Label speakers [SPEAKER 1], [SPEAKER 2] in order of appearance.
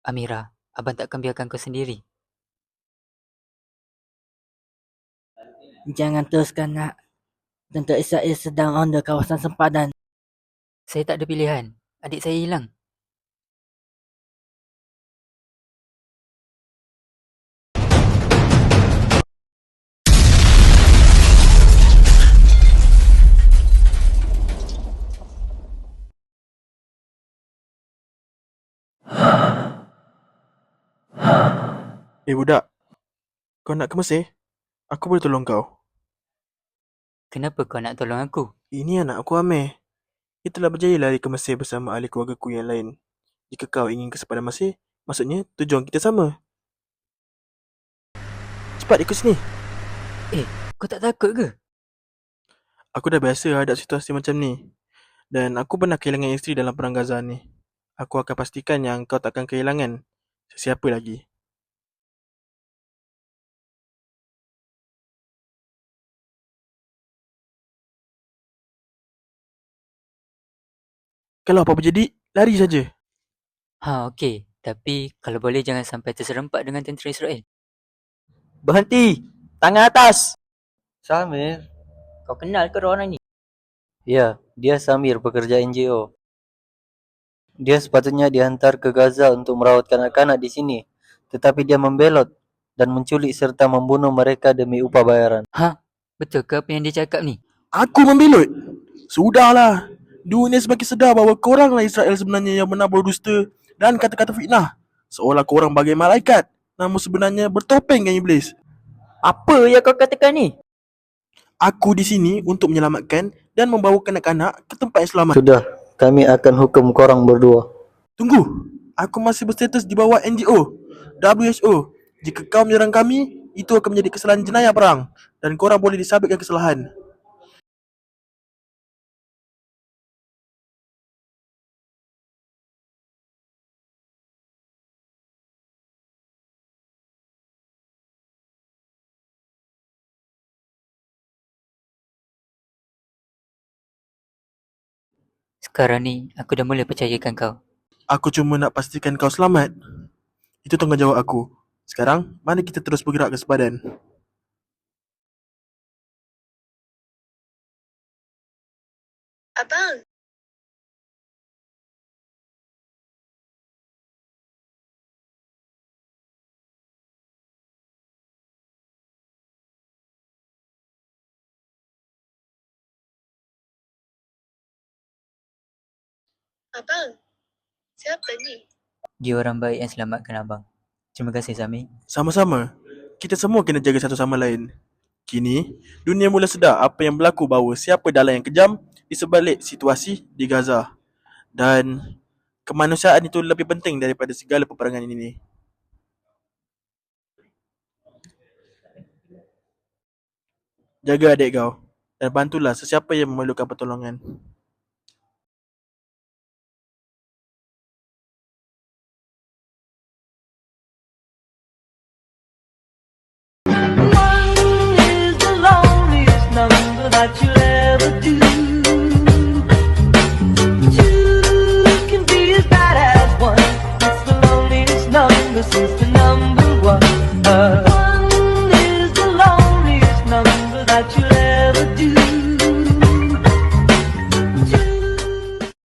[SPEAKER 1] Amira, abang takkan biarkan kau sendiri.
[SPEAKER 2] Jangan teruskan nak. Tentera Israel sedang ronda kawasan sempadan.
[SPEAKER 1] Saya tak ada pilihan. Adik saya hilang.
[SPEAKER 3] Budak, kau nak ke Mesir? Aku boleh tolong kau.
[SPEAKER 1] Kenapa kau nak tolong aku?
[SPEAKER 3] Ini anak aku Amir. Dia telah berjaya lari ke Mesir bersama ahli keluargaku yang lain. Jika kau ingin ke sepadan Mesir, maksudnya tujuan kita sama. Cepat ikut sini.
[SPEAKER 1] Kau tak takut ke?
[SPEAKER 3] Aku dah biasa hadap situasi macam ni. Dan aku pernah kehilangan isteri dalam perang Gaza ni. Aku akan pastikan yang kau takkan kehilangan sesiapa lagi. Kalau apa-apa jadi, lari saja.
[SPEAKER 1] Okey. Tapi kalau boleh jangan sampai terserempak dengan tentera Israel.
[SPEAKER 4] Berhenti! Tangan atas! Samir, kau kenal ke orang ni? Ya, dia Samir, pekerja NGO. Dia sepatutnya dihantar ke Gaza untuk merawat kanak-kanak di sini. Tetapi dia membelot dan menculik serta membunuh mereka demi upah bayaran.
[SPEAKER 1] Betul ke apa yang dia cakap ni?
[SPEAKER 3] Aku membelot. Sudahlah. Dunia semakin sedar bahawa koranglah Israel sebenarnya yang menabur dusta dan kata-kata fitnah. Seolah korang bagai malaikat, namun sebenarnya bertopeng dengan iblis.
[SPEAKER 4] Apa yang kau katakan ni?
[SPEAKER 3] Aku di sini untuk menyelamatkan dan membawa kanak-kanak ke tempat yang selamat.
[SPEAKER 4] Sudah, kami akan hukum korang berdua.
[SPEAKER 3] Tunggu. Aku masih berstatus di bawah NGO, WHO. Jika kau menyerang kami, itu akan menjadi kesalahan jenayah perang dan korang boleh disabitkan kesalahan.
[SPEAKER 1] Sekarang ni aku dah mula percayakan kau.
[SPEAKER 3] Aku cuma nak pastikan kau selamat. Itu tanggungjawab aku. Sekarang, mari kita terus bergerak ke sepadan.
[SPEAKER 5] Abang, abang, siapa ni?
[SPEAKER 1] Dia orang baik yang selamatkan abang. Terima kasih Sami.
[SPEAKER 3] Sama-sama. Kita semua kena jaga satu sama lain. Kini, dunia mula sedar apa yang berlaku bahawa siapa dalang yang kejam di sebalik situasi di Gaza. Dan kemanusiaan itu lebih penting daripada segala peperangan ini. Jaga adik kau dan bantulah sesiapa yang memerlukan pertolongan.